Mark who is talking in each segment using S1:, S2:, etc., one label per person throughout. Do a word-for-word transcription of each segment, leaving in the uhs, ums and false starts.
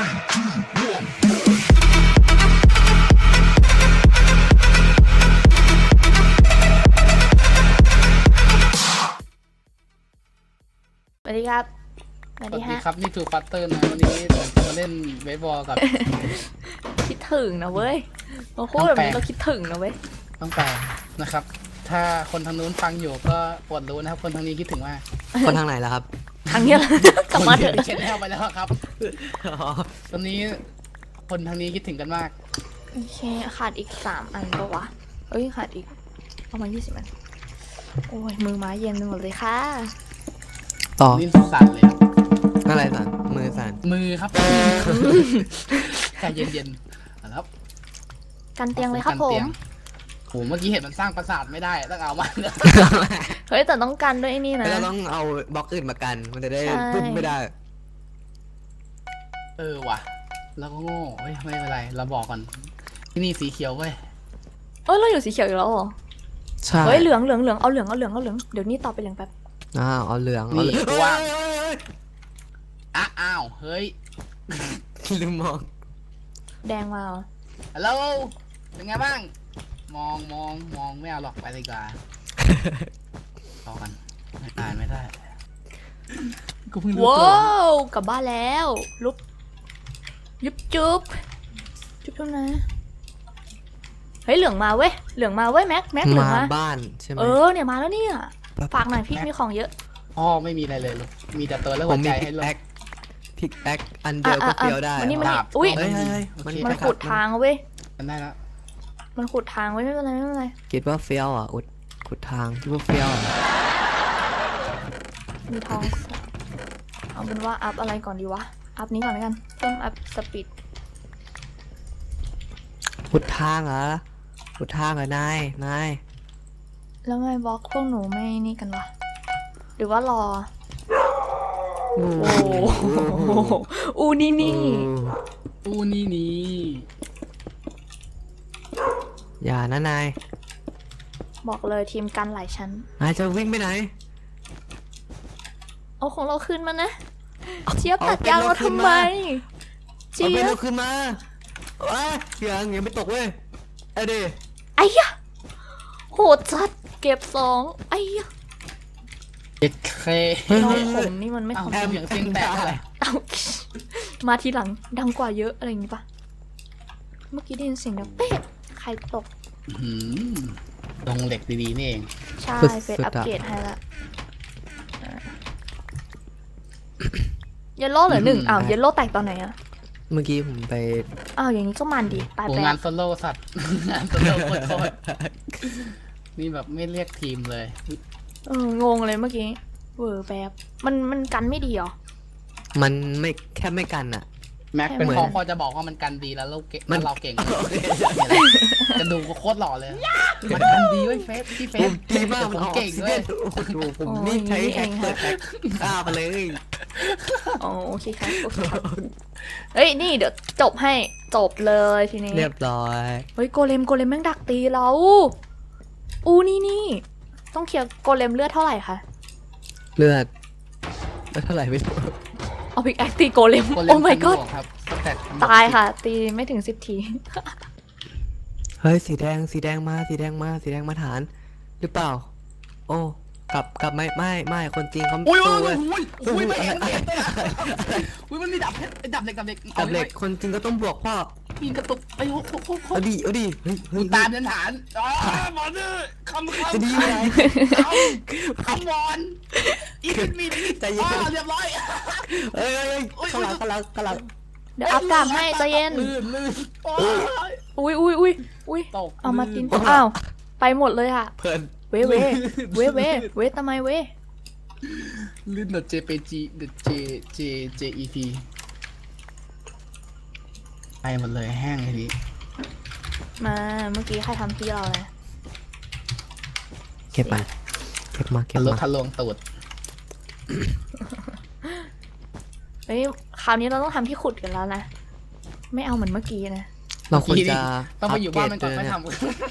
S1: สวัสดีครับสวัส
S2: สวั
S1: ดี
S2: สดี
S1: ฮะ
S2: ครับนี่ทูฟัตเตอร์นะวันนี้ผมจะมาเล่นเบสบอลกับ
S1: คิดถึงนะเว้ยเราพูดแบบนี้เราคิดถึงนะเว้ย
S2: ต้องแปลนะครับ ถ้าคนทางนู้นฟังอยู่ก็ปวดรู้นะครับ คนทางนี้คิดถึงมาก
S3: คนทางไหนล่ะครับ
S1: ทางเนี้ยแหละกลับมาเถอะ
S2: เช็ดแนวไปแล้วครับ ตอนนี้คนทางนี้คิดถึงกันมาก
S1: โอเคขาดอีกสามอันปะวะเอ้ยขาดอีกประมาณยี่สิบอันโอ้ยมือไม้เย็นไปหมดเลยค่ะ
S3: ต่อ
S2: ลิ้นสั่นเลยครับ
S3: อะไรสั่นมือสั่น
S2: มือครับใจเย็นๆนะครับ
S1: กันเตียงเลยครับผม
S2: โหเมื่อกี้เห็นมันสร้างปราสาทไม่ได้ต้องเอามา
S1: เฮ้ยแต่ต้องกันด้วยไอ้นี่นะ
S3: เราต้องเอาบล็อกอื่นมากัน มันจะได้
S1: ใช่
S3: พึ่งไม่ได้
S2: เออว่ะแล้วก็โง่เฮ้ยไม่เป็นไรเราบอกก่อนที่นี่สีเขียวเว้ย
S1: เอ้ยเราอยู่สีเขียวอยู่แล้วเหรอ
S3: ใช่
S1: เฮ้ยเหลืองเหลืองเหลืองเอาเหลืองเอาเหลืองเอาเหลืองเดี๋ยวนี้ต่อไปเหลืองแป๊บ
S3: อ้าวเอาเหลืองเอา
S2: นี่
S3: เหลือง
S2: กูว่า
S3: เฮ้ยเฮ้ย
S2: อ้าอ้าวเฮ้ย
S3: เฮ้ยลืมมอง
S1: แดงมาเหรอ
S2: ฮัลโหลเป็นไงบ้าง มองมองมองไม่เอาหรอกไปเลยดีกว่าต่อกันไม่ได้ไม่ได้กูเพิ่งรู้
S1: ว้
S2: ตัว
S1: าวกลับบ้านแล้วลุบยุบจุ๊บจุ๊บจุ๊บนะเฮ้ยเหลืองมาเว้ยเหลืองมาเว้ยแม็กแม็กเหลือง
S3: มา
S1: มา
S3: บ้านใช่ไหม
S1: เออเนี่ยมาแล้วเนี่ยฝากหน่อยพี่มีของเยอะ
S2: พ่อไม่มีอะไรเลยลูกมีแต่ตัวแล้ว
S3: ผ
S2: หั
S3: ม
S2: ว
S3: มี
S2: ใจ
S3: พิ
S2: ให้
S3: ก
S2: ลู
S3: แอก คพิกแอคอันเดียว
S1: อ่ะ
S3: ก็
S1: อ่ะ
S3: เฟี้ยวได้
S1: วันนี้มัน
S2: ดาบ
S1: อุ้ย
S3: เฮ้ยเฮ้ยเฮ้ย
S2: โอ
S3: มัน
S2: เค
S1: มันขุดทางเว้ย
S2: กันได้แล้ว
S1: มันขุดทางไว้ไม่เป็นไรไม่เป็นไร
S3: คิดว่าเฟี้ยวอ่ะอุดขุดทางคิดว่าเฟี้ยวอ่ะ
S1: มีทองเอาเป็นว่าอัพอะไรก่อนดีวะอัพนี้ก่อนแล้วกันเพิ่มอัพสปีด
S3: ขุดทางเหรอขุดทางเหรอนายนาย
S1: แล้วไงบล็อกพวกหนูไม่นี่กันวะหรือว่ารอ
S3: โอ้
S1: โอ้โหอูนี่นี่
S2: อู้นี่นี่
S3: อย่านะนาย
S1: บอกเลยทีมกันหลายชั้น
S3: นายจะวิ่งไปไหน
S1: เอาของเราขึ้นมานะเจี๊ยบ
S3: เอา
S1: ตัดยางเราทำไม
S3: เอา
S1: เจี๊
S3: ไป
S1: ย
S3: เรา
S1: บ
S3: ขึ้นมาว้ายังยังไม่ตกเว้ยไอ้ดิ
S1: ไอ้ยะโหดจัดเก็บสองไอ้ยะ
S2: เจ็ดเค
S1: น้องผมนี่มันไม่
S2: เอ้า
S1: ทำ
S2: แอมอย่างเสียงแตกอะไร
S1: เอามาทีหลังดังกว่าเยอะอะไรอย่างงี้ปะเมื่อกี้ได้ยินเสียงดังเป๊ะใครตก
S2: หืมลงเหล็กดีๆนี่เอง
S1: ใช่เฟซอัปเกรดให้ละเยลโล่เหลือหนึ่งอ้าวเยลโล่แตกตอนไหนอะ
S3: เมื่อกี้ผมไป
S1: อ้าวอย่างนี้ก็มันดีไป
S2: โห
S1: ไป
S2: งานโซโล่สัตว์ งานโซโล่โคตรๆนี่แบบไม่เรียกทีมเลย
S1: เอองงเลยเมื่อกี้เวอร์แบบมันมันกันไม่ดีเหรอ
S3: มันไม่แค่ไม่กันอ่ะ
S2: แม็กเป็น
S1: เหมือน
S2: พอพอจะบอกว่ามันกันดีแล้วเราเก่ง
S3: มัน
S2: แล้วเราเก่งจะดูก็โคตรหล่อเลย มันกันดีเว้ยเฟสพี่เฟ
S3: ผ
S2: ส
S3: มดีมาก
S2: ผมเก่ง
S3: เล
S2: ด้วย ย
S3: โอ้โหผมนี่ใช้แฮกเปิดแฮกฆ่าไปเลย
S1: อ๋อโอเคครับโอเคครับเฮ้ยนี่เดี๋ยวจบให้จบเลยทีนี้
S3: เรียบร้อย
S1: เฮ้ยโกเลมโกเลมแม่งดักตีเราอูนี่นี่ต้องเคลียร์โกเลมเลือดเท่าไหร่คะ
S3: เลือดแล้วเท่าไหร่ไม่รู้
S1: เอาพิกแอคตีโกเลม
S2: โกเล
S1: โอ้
S2: ม
S1: my
S2: พัน
S1: god
S2: บวกครับแต่
S1: ตายค่ะ ตีไม่ถึงสิบที
S3: เฮ้ยสีแดงสีแดงมาสีแดงมาสีแดงมาฐาน หรือเปล่า โอ้กลับกลับไม่ไม่ไม่คนจริงเขา
S2: อุ้ยอุ้
S3: สู้
S2: ย
S3: เว้ย
S2: อุ้ยอุ้ยไม่เห็นไม่เห็นอุ้ยมันมีดับเพชรดับเหล็กดับเหล็ก
S3: กับเหล็กคนจริงก็ต้องบวกพ่อ
S2: มีกระตุกไอ้โหโคตร
S3: เอาดิเอาดิเฮ้ยเฮ้ย
S2: ตามเดินฐานอ๋อหมอนี่คำคำ
S3: จะดี
S2: ค
S3: ไหม
S2: ำคำบอลอีกมีด
S3: ใจเย็น
S2: อ๋อเรียบร้อย
S3: เฮ้ยเฮ้ยข้างหลังข้างหลังข้างหลัง
S1: เดี๋ยวอัพกราบให้ใจเย็น
S2: ลื่นลื่นโอ้ย
S1: อุ้ยอุ้ยอุ้ยอุ้ย
S2: ตก
S1: เอามาตินอ้าวไปหมดเลยอะ
S3: เพลิน
S1: เวเวเวเวเวทำไมเว
S2: ลื่นเดอะ เจ พี จี เดอะ J J J E P ไปหมดเลยแห้งทีนี้
S1: มาเมื่อกี้ใครทำพี่เราเลย
S3: เก็บมาเก็บมาเก็
S2: ทะ
S3: บ
S2: ลุ
S3: มา
S2: ทะลวงตูด
S1: เฮ้ยคราวนี้เราต้องทำที่ขุดกันแล้วนะไม่เอาเหมือนเมื่อกี้นะ
S3: เราควรจะ
S2: ต้องไปอยู่บ้านมันก่อนค่อยท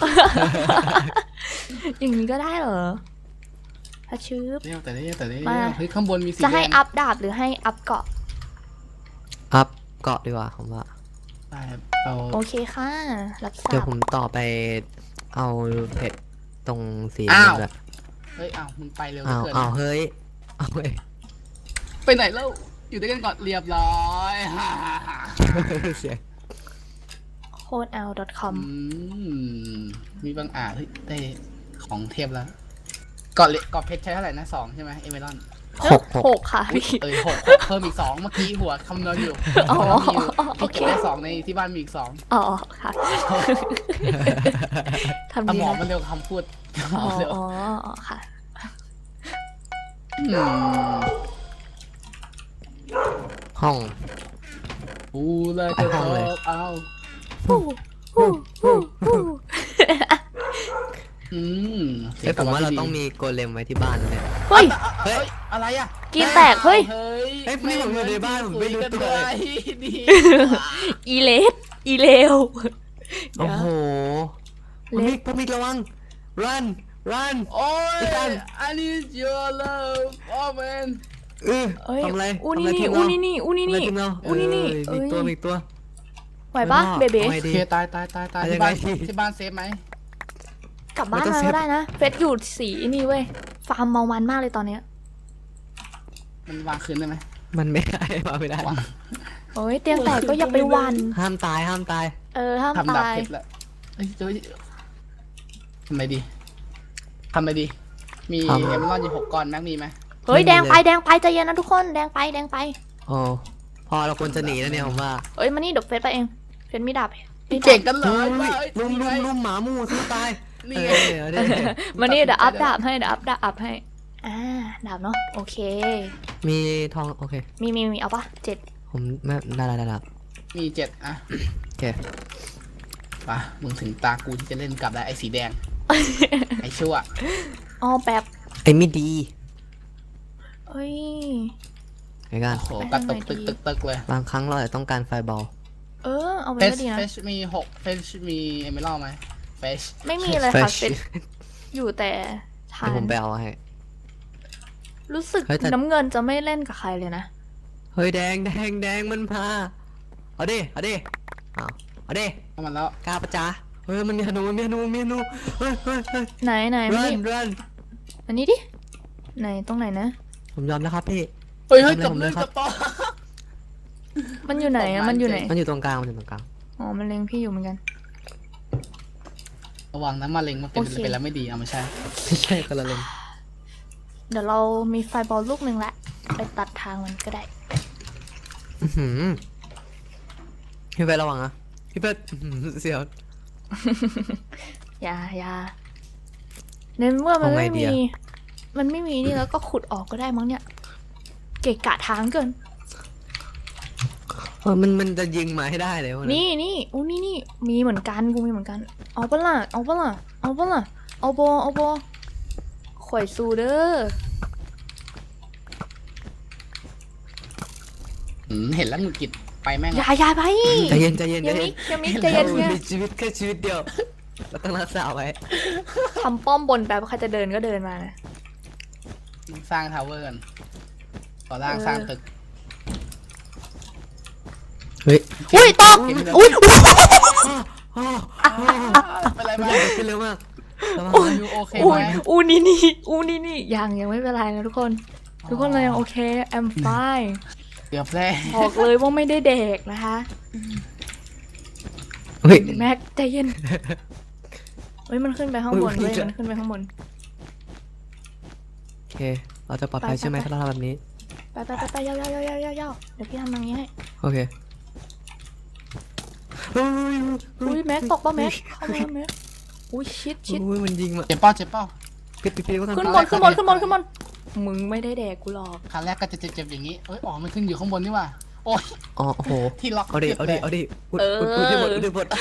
S1: อย่างนี้ก็ได้เหรอถ้าชืบ
S2: ำเรียวแต่เรียวแต่เรียว
S1: มา
S2: เฮ้ยข้างบนมีสี
S1: จะให้
S2: แดง
S1: อัพดาบหรือให้อัพเกาะ
S3: อัพเกาะดีกว่าผมว่า
S2: ได้เรา
S1: โอเคค่ะ รับทรา
S3: เดี๋ยว
S1: บ
S3: ผมต่อไปเอาเพชรตรงสี
S2: อ้าว
S3: นั่นแหละ
S2: เฮ้ยอ้าวมึงไปเร็ว
S3: อ้าว
S2: เกิน
S3: อ้าวเฮ้ยเอาเฮ้ย
S2: ไปไหนแล้วอยู่ด้วยกันก่อนเรียบร้อย ฮ่าฮ่าฮ่า
S3: เสียง
S1: โค้ดแอล .com
S2: อืมมีบางอ่าเฮ้ยได้ของเทพแล้วเกาะเลเกาะเพชรใช้เท่าไหร่นะสองใช่ไหมเอเมรอน
S3: หกหก
S1: หกค่ะพี่
S2: เอ้ยหกหกเพิ่มอีกสองเมื่อกี้หัวคำนวณอยู่
S1: อ๋อ
S2: มียู่
S1: โอเค
S2: เก็บได้สองในที่บ้านมีอีกสอง
S1: อ๋อค่ะทำ
S2: ส
S1: ดี
S2: มอง
S1: นะ
S2: มันเร็วคำพูดสม
S1: อ๋
S2: อ
S1: อง
S2: เร็ว
S1: อ๋ออ๋อค่ะ
S2: อืม
S3: ห้อง
S2: กูเลยจะ
S3: ไปห้องเลย
S2: เอา
S1: ฮู้ฮู้ฮู้ฮู้
S2: อืม
S3: เฮ้ยผมว่าเราต้องมีโกเลมไว้ที่บ้านนะเนี่ย
S1: เฮ้ย
S2: เฮ้ยอะไรอ่ะ
S1: กินแตกเฮ้ย
S2: เฮ้ย
S3: เฮ้ยนี่ผมอยู่ในบ้านผมไม่รู้ตัวเลย
S2: ดี
S1: อีเลสอีเลว
S3: โอ้โห
S1: เล็
S3: มิ
S1: ก
S3: กพมิกระวัง run run
S2: โอ้ย
S3: ไอ้กัน
S2: I need your love oh man
S3: เออ
S1: เอ้ย
S3: ทำอะไร
S1: อู
S3: ทำ
S1: นี่
S3: อะไร
S1: นี่
S3: ทีม
S1: อู
S3: เรา
S1: นี่นี่อูนี่
S3: ทำอะไร
S1: นี่
S3: ทีมเรา
S1: อูนี่นี่
S3: เออมี
S1: เอ้ย
S3: ตัวมีตัว
S1: ไหวปะเบเบ้
S3: อาไง
S2: โอ
S3: ดี
S2: เคตายตายตายตาย
S3: เอายั
S2: ที่
S3: งไง
S2: บ้าน
S3: ดี
S2: ที่บ้านเซฟไหม
S1: กลับบ้าน
S3: ไม่ต้อง
S1: มา
S3: เซฟ
S1: ก็ได้นะ เฟสอยู่สีนี่เว้ย ฟาร์มเมามันมากเลยตอนเนี้ย
S2: มันวางคืนได้ไหม
S3: มันไม่ได้มาไม่ได้
S2: วาง
S1: โอ้ยเตียงแตกก็อย่าไปหวัน
S3: ห้ามตายห้ามตาย
S1: เออห้าม
S2: ทำดาบ
S1: ตาย
S2: เพชรแล้วเอ้ยเฮ้ยทำไมดีทำไมดี มี
S3: ทำ
S2: เอมอนอยู่หกก้อนแม็กมีไหม
S1: เฮ้ย
S3: ไม่มี
S1: แดงไป
S3: เลย
S1: แดงไปใจเย็นนะทุกคนแดงไปแดงไป
S3: โอ้พอเราควรจะหนีแล้วเนี่ยผมว่า
S1: เอ้ยมานี่เดี๋ยวเฟสไปเอง เฟสมีดาบมีดาบ
S2: เก่งกันเล
S3: เฮ้
S2: ย
S3: ย
S2: ว่าเอ้ย
S3: ลุม
S2: นี่
S3: ลุ
S2: ไง
S3: มลุมหมาหมู่สู้ตาย
S2: นี่
S3: เอ
S2: ไง
S3: อเดี๋ยว
S1: มานี่เดี๋ยวอัพดาบให้เดี๋ยวอัพดาบอัพให้ อ่าดาบเนาะโอเค
S3: มีทองโอเค
S1: มีมีมีเอาปะเจ็ด
S3: ผมไม่ได้ได้ได้ได้
S2: มีเจ็ดอ่ะ
S3: โอเค
S2: ป่ะมึงถึงตากูที่จะเล่นกับได้ไอ้สีแดง ไอ้ชั่ว
S1: อ๋อแบบ
S3: ไอ้ไม่ดี
S1: เอ้ย
S3: ไอ้กัน
S2: โอ้โหกระตุกตึกตึกตึกเลย
S3: บางครั้งเราอาจจะต้องการไฟบอล
S1: เออเอาไป
S2: เฟช
S1: ก็ดีนะ
S2: เฟชมีหกเฟชมีเอเมอรัลไหมเฟช
S1: ไม่มีเลยค่ะเฟสอยู่แต่ทา
S3: เดี๋ยวผ
S1: น
S3: มไปเอาให้
S1: รู้สึก
S3: เฮ้ยแต่
S1: น้ำเงินจะไม่เล่นกับใครเลยนะ
S3: เฮ้ยแดงแดงแดงมันพาเอาดิเอาดิเอาเอาดิ
S2: เข้ามาแล้ว
S3: กล้าปะจ๊ะเฮ้ยมันมีธนูมีธนูมีธนูเฮ้ยเฮ้ยเฮ้ย
S1: ไหนไหนมา
S3: run
S1: นี่
S3: run
S1: อันนี้ดิ ไหนตรงไหนนะ
S3: ผมยอมแล้วครับพี่
S2: เฮ้ยเฮ้ย
S3: ทำอะไรผมเลย
S2: จับเล่น
S3: ครับ
S2: จับต่อ
S1: มันอยู่ไหนอะมันอยู่ไหน
S3: มันอยู่ตรงกลางมันอยู่ตรงกลาง
S1: อ๋อ มันเล็งพี่อยู่เหมือนกัน
S2: ระวังนะมะเร็งมันเป็น
S1: โอเค
S2: เป็นแล้วไม่ดีเอาไม่ใช่
S3: ไม่ใช่คนละเลน
S1: เดี๋ยวเรามีไฟบอลลูกหนึ่งละไปตัดทางมันก็ได้
S3: อื้อหือพี่เป้ระวังนะพี่เป้อื้อหือเสียว
S1: อย่าอย่าในเมื่อมัน
S3: เอาไง
S1: ไม่
S3: ดี
S1: มี
S3: อะ
S1: มันไม่มีนี่แล้วก็ขุดออกก็ได้มั้งเนี่ย เกะกะทางเกิน
S3: เออมันมันจะยิงมาให้ได้เลยวะ
S1: นี่นี่อู้นี่นี่มีเหมือนกันกูมีเหมือนกัน เอาปะล่ะเอาปะล่ะเอาปะล่ะเอาบอเอาบอข่อยซูเด้อ
S2: อืมเห็นแล้วหงุดหงิดไปแม่ง
S1: อย่าอย่าไป
S3: ใจเย็นใจเย็น
S1: อย่า
S3: ใจ
S1: มิ
S3: เย็
S1: ก
S3: น
S1: อย่ามิกใจเย็น
S3: รา
S1: เนี่ย
S3: มีชีวิตแค่ชีวิตเดียวเราต้องรักษาไว้
S1: ทำป้อมบนแป๊บใครจะเดินก็เดินมานะ
S2: สร้างทาวเวอร์กันก่อร่าง
S1: เออ
S2: สร้างตึก
S3: เฮ้ย
S1: อุ้ยตอบอุ้ยอุ๊ย
S3: อ้าว
S2: เป็นไร
S3: ไม่
S2: ไหม
S3: ได้ขึ้นเร็วมากระวัง
S1: โอ้ย
S2: อยู่โอเค
S1: อู้
S2: ไหม
S1: อูนี่นี่อูนี่นี่ยังยังไม่เป็นไรนะทุกคน ทุกคนเรายังโอเค I'm fine
S2: เกือบแล้ว
S1: บอกเลยว่าไม่ได้เด็กนะคะ
S3: เฮ้ย
S1: แม็กใจเย็นเฮ้ยมันขึ้นไปข้างบน
S3: อุ๊
S1: เว้
S3: ย
S1: ย
S3: จะ
S1: มันขึ้นไปข้างบน
S3: โอเค เราจะปลอดภัย
S1: ไป
S3: ใช่ไหม
S1: ไป
S3: ถ้าเราทำแบบนี้
S1: ไปไปไปไปยาวยาวยาวยาวยาวยาวเดี๋ยวพี่ทำอย่างนี้ให้
S3: โอเคเฮ้ย
S1: อุ้ยแม็กตกป่ะแม็กเข้ามาแม็กอุ้ยชิดชิด
S3: อุ้ยมันยิงมา
S2: เจ็บเป้าเจ็บเป้า
S3: ปิดปิดปิดก็ทำ
S1: ขึ้น
S3: ตาม
S1: บนขึ้นบนขึ้นบนขึ้นบนมึงไม่ได้แดกกูหรอก
S2: ครั้งแรกก็จะเจ็บๆอย่างนี้เอ้ยอ๋อมันขึ้นอยู่ข้างบนนี่ว่าโอ้ย
S3: อ๋อโอ้โห
S2: ที่ล็อก
S3: เอาดิ เอาดิ เอาดิอุด
S1: เออ
S3: อุดอุดที่หมดอุดที่หมด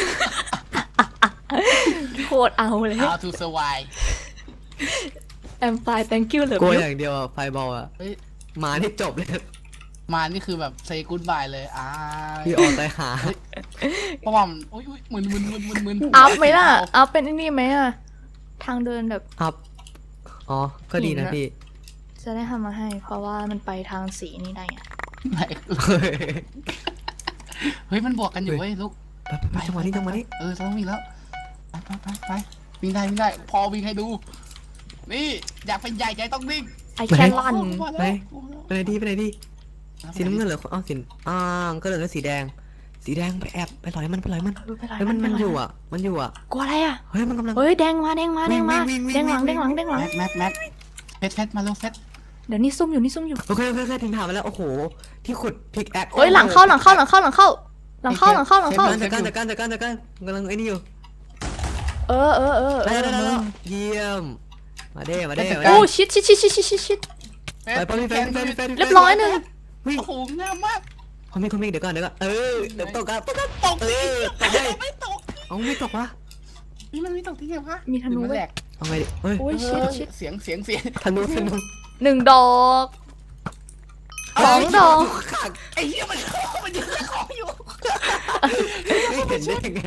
S1: โคตรเอาเลย
S2: เอาทูเซอร์ไว
S1: I'm fine thank you เหลือก
S3: ลัว
S1: พี่
S3: อย่างเดียวอะไฟบอลอะ
S2: เฮ้ย
S3: มานี่จบเลย
S2: มานี่คือแบบเซกูดบายเลยอ่า
S3: พี่ออกตายหา
S2: เพราะว่ามันอุ้ยอุ้ยมึนมึนมึนมึนมึน
S1: อัพไหมล่ะอัพเป็นไอ้นี่ไหมอะทางเดินแบบ
S3: อัพ อ๋อ ก็ดีนะ
S1: หินอะ
S3: พี่
S1: จะได้ทำมาให้ เพราะว่ามันไปทางสีนี้ได้อะ
S2: ไหน
S3: เฮ้ย
S2: เฮ้ยมันบวกกันอยู่เว้ยลูก
S3: ไปไปไปจังหวะนี้จังหวะนี้
S2: เออเราต้องวิ่งแล้วไปไปไปไปวิ่งได้วิ่งได้พอวิ่งให้ดู นี่อยากเป็นใหญ่ใจต้องวิ่ง
S1: ไอแคนลัน
S3: ไปไปไหนดีไปไหนดีสีน้ำเงินเหรออ้าวสีอ่าก็เหลือสีแดง สีแดงไปแอบไปหลอยมันไปหลอยมัน
S1: เออไปไหน
S3: เฮ้ยมันมันอยู่อ่ะมันอยู่อ่ะ
S1: กลัวอะไรอ่ะ
S3: เฮ้ยมันกำลัง
S1: เฮ้ยแดงมาแดงมาแดงมา
S3: วิ่งวิ่งวิ่ง
S1: แดงหลัง
S3: วิ่
S1: แด
S3: ง
S1: งหลังแดงหลัง
S2: แม็กแม็กแม็กเฟสเฟสมาเร็วเฟส
S1: เดี๋ยวนี่ซุ่มอยู่นี่ซุ่มอยู่
S3: โอเคโอเคโอเคถึงถามมาแล้วโอ้โหที่ขุดพิกแอค
S1: เฮ้ยหลังเข้าหลังเข้าหลังเข้าหลังเข้าหลังเข้าหลังเข้าหลังเข้า
S3: จัดการจัดการจัดการจัดการกำลังไอ้นี่อยู่
S1: เออเออเออเอ
S3: ได้
S1: อ
S3: ได้ได้
S1: มึง
S3: เยี่ยมมาเด้มาเด้มา
S1: โอ้
S3: เด้
S1: ชิดชิดชิดชิดชิดชิดชิด
S3: ไปไปไปไปไป
S1: เรียบร้อยหนึ่ง
S3: วิ่ง
S2: โอ้โหงามมาก
S3: คอมเมนต์คอมเมนต์เดี๋ยวก่อนเดี๋ยวก่อนเออเดี๋ยวตกกันตกกัน
S2: ตก
S3: เอ
S2: ที่
S3: อตกได้
S2: ไม่ตก
S3: เอาไม่ตกวะ
S2: นี่มันไม่ตกที่ไหนวะ
S1: มีธนู
S2: หรือมัน
S1: เว้
S2: แหล
S1: ย
S2: ก
S3: เอาไงดิเฮ้ย
S1: โอ้ยชิดชิด
S2: เสียงเสียงเสียง
S3: ธนูธนู
S1: หนึ่งดอกสองดอก
S2: ไอ้เหี้ยมันมันยืนของอยู่
S3: ไม่เห็นได้ยังไง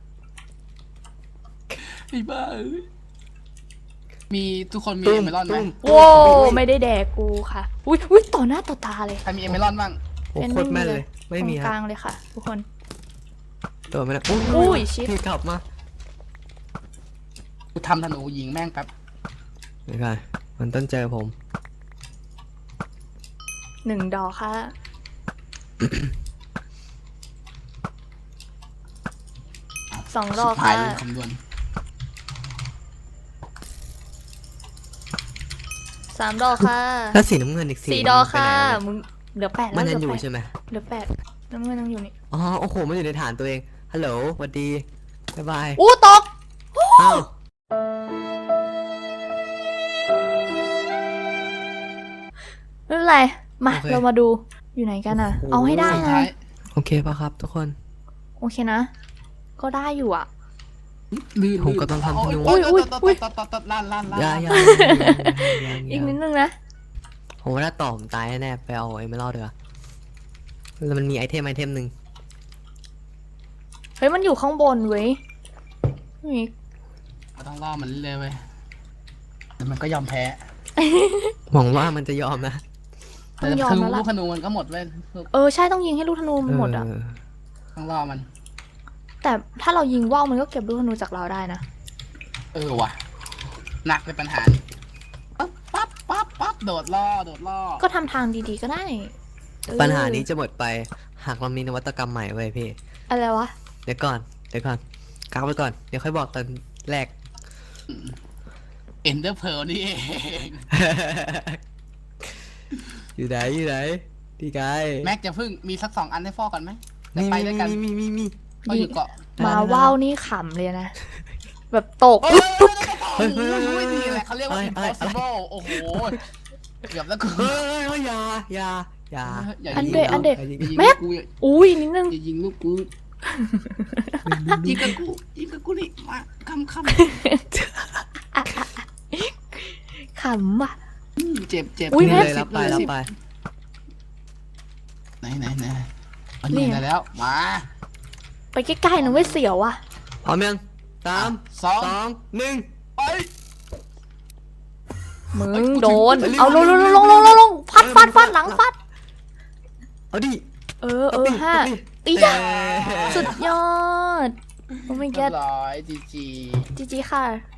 S2: ไอ้บ้าเอ้ยมีทุกคนมีเอเมรอนไหม
S1: โว้ไม่ได้แดกกูค่ะอุ้ยอุ้ยต่อหน้าต่อตาเลย
S2: ใครมีเอเมรอนบ้าง
S3: โอ้โคตรแม่นเลยไม่มี
S1: ตรง
S3: ค
S1: ก
S3: รับ
S1: ลางเลยค่ะ ทุกคน
S3: ตัวไม่ได้
S1: อุ้ยชิด
S3: พี่กลับมา
S2: กูทำธนูยิงแม่งแป๊บ
S3: เดี๋ยวก่อนมันต้องเจอผม
S1: หนึ่งดอกค่ะ สองดอก
S2: หาย
S1: ค่ะ
S2: เลยคำนวณ
S1: สามดอกค่ะ
S3: แล้วสีน้ำเงินอีกสี
S1: สี่ดอกค่ะ
S3: มัน
S1: มึงเหลือแปด
S3: ไปไหน
S1: แล้ว
S3: มัน
S1: เห
S3: ยั
S1: ลื
S3: ง
S1: อ
S3: อยู่
S1: แปด
S3: ใช่ไหม
S1: เหลือแปดน้ำเงินยังอยู่นี่
S3: อ๋อโอ้โหมันอยู่ในฐานตัวเองฮัลโหลสวัสดีบ๊ายบาย
S1: อู้ตก
S3: อ้าว
S1: ไม่เป็นไรมาเรามาดูอยู่ไหนกันอ่ะ เอาให้ได้
S2: สุด
S1: นะ
S2: ท้าย
S3: โอเคป่ะครับทุกคน
S1: โอเคนะ ก็ได้อยู่อ่ะ
S2: ลื่น
S3: ผมก็ต้องทำธนู
S2: โอ้ย
S1: อุ้
S2: โอ้
S1: ย
S2: ย
S1: อุ้
S2: โอ้
S1: ย
S2: ยตดตดตดลั่นลั่นลั่น
S3: อย่าอย่า
S1: อีกนิดนึงนะ
S3: ผมว่าถ้าต่อผมตายแน่ๆไปเอาไอ้ไม่รอดเถอะแล้วมันมีไอเทมไอเทมหนึ่ง
S1: เฮ้ยมันอยู่ข้างบนเว้ยนี่
S2: เราต้องล่อมันเรื่อยๆเว้ยแต่มันก็ยอมแพ้
S3: หวังว่ามันจะยอมนะ
S1: ต้
S2: แต่
S1: องยอม
S2: คือ
S1: แล้ว
S2: ลู
S1: ล่ะ
S2: กธนูมันก็หมดเว้ยลูก
S1: เออใช่ต้องยิงให้ลูกธนูมันหมดอ่ะ
S3: เออ
S2: ต้องล่อมัน
S1: แต่ถ้าเรายิงว่าวมันก็เก็บลูกธนูจากเราได้นะ
S2: เออว่ะหนักเป็นปัญหาปั๊บปั๊บปั๊บปั๊บโดดล่อโดดล่อ
S1: ก็ทำทางดีๆก็ได้เออ
S3: ปัญหานี้จะหมดไปหากเรามีนวัตกรรมใหม่ไว้ยพี่
S1: อะไรวะ
S3: เดี๋ยวก่อนเดี๋ยวก่อนกักไว้ก่อนเดี๋ยวค่อยบอกตอนแรก
S2: เอ็นเดอร์เพลนี่เอง
S3: อยู่ไหนอยู่ไหนพี่กาย
S2: แม็กจะพึ่งมีสักสองอันให้ฟอก่อนไหมจะ
S3: มี
S2: ไปด้วยกัน
S3: มีมีมีมี
S2: เขาอยู่เกาะ
S1: มาว่าวนี่ขำเลยนะ แบบตก
S2: โอ้ยโอ้ยโอ้ยโอ้ยดีแหละเขาเรียกว่า impossible โอ้โหเกือบแล้วกู
S3: เฮ้ยเฮ้ยอย่าอย่าอย่า
S2: อย่า
S1: อัน
S2: ยิง
S1: เดะอันเดะ
S2: อย่ายิง
S1: แม็ก
S2: กู
S1: อุ้ยนิดนึง
S2: อย่ายิงลูกกูยิงกับกูยิงกับกูนี่มาคำค
S1: ขำว่ะ
S2: ำเจ็บเจ็บ
S1: อุ๊ย
S3: นี่
S1: แม็ก
S3: เลยรับไป
S2: สิ
S3: รับ
S2: สิ
S3: ไป
S2: ไหนไหนไหนอันนี้ได้แล้วมา
S1: ไปใกล้ๆนะเว้ยเสียวอ่ะ
S3: พร้อมยังสาม
S2: สอง
S3: สองหนึ่ง
S2: ไป
S1: มึ
S2: เอ้ย
S1: ง
S2: กู
S1: โดน
S2: ถึง
S1: เอาลงลงลงลงลงลงฟัดฟัดฟัดหลังฟัด
S3: เอาดิ
S1: เออเออห้าตี
S3: เย้
S1: จ้าสุดยอด โอ้ my
S2: เรีย
S1: god
S2: บร้อยจีจี
S1: จีจีค่ะ